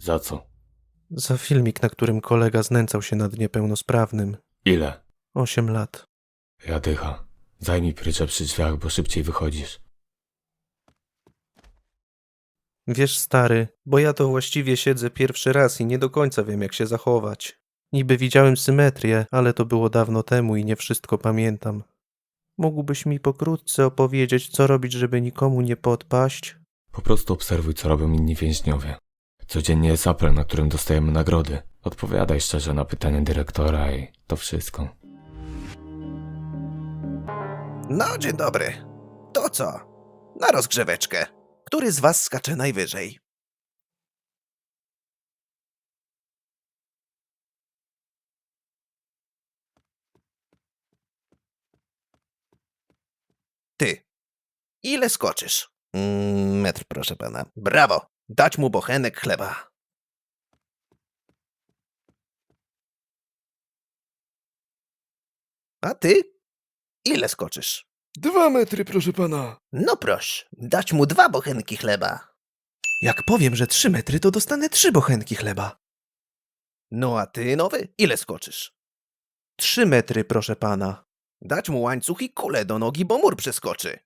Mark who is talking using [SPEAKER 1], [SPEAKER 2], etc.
[SPEAKER 1] Za co?
[SPEAKER 2] Za filmik, na którym kolega znęcał się nad niepełnosprawnym.
[SPEAKER 1] Ile?
[SPEAKER 2] 8 lat.
[SPEAKER 1] Ja dycha. Zajmij pryczę przy drzwiach, bo szybciej wychodzisz.
[SPEAKER 2] Wiesz, stary, bo ja to właściwie siedzę pierwszy raz i nie do końca wiem, jak się zachować. Niby widziałem symetrię, ale to było dawno temu i nie wszystko pamiętam. Mógłbyś mi pokrótce opowiedzieć, co robić, żeby nikomu nie podpaść?
[SPEAKER 1] Po prostu obserwuj, co robią inni więźniowie. Codziennie jest apel, na którym dostajemy nagrody. Odpowiadaj szczerze na pytania dyrektora i to wszystko.
[SPEAKER 3] No, dzień dobry. To co? Na rozgrzeweczkę. Który z was skacze najwyżej? Ty. Ile skoczysz? Metr, proszę pana. Brawo. Dać mu bochenek chleba. A ty? Ile skoczysz?
[SPEAKER 4] 2 metry, proszę pana.
[SPEAKER 3] No proś, dać mu 2 bochenki chleba.
[SPEAKER 2] Jak powiem, że 3 metry, to dostanę 3 bochenki chleba.
[SPEAKER 3] No a ty, nowy, ile skoczysz?
[SPEAKER 2] 3 metry, proszę pana.
[SPEAKER 3] Dać mu łańcuch i kulę do nogi, bo mur przeskoczy.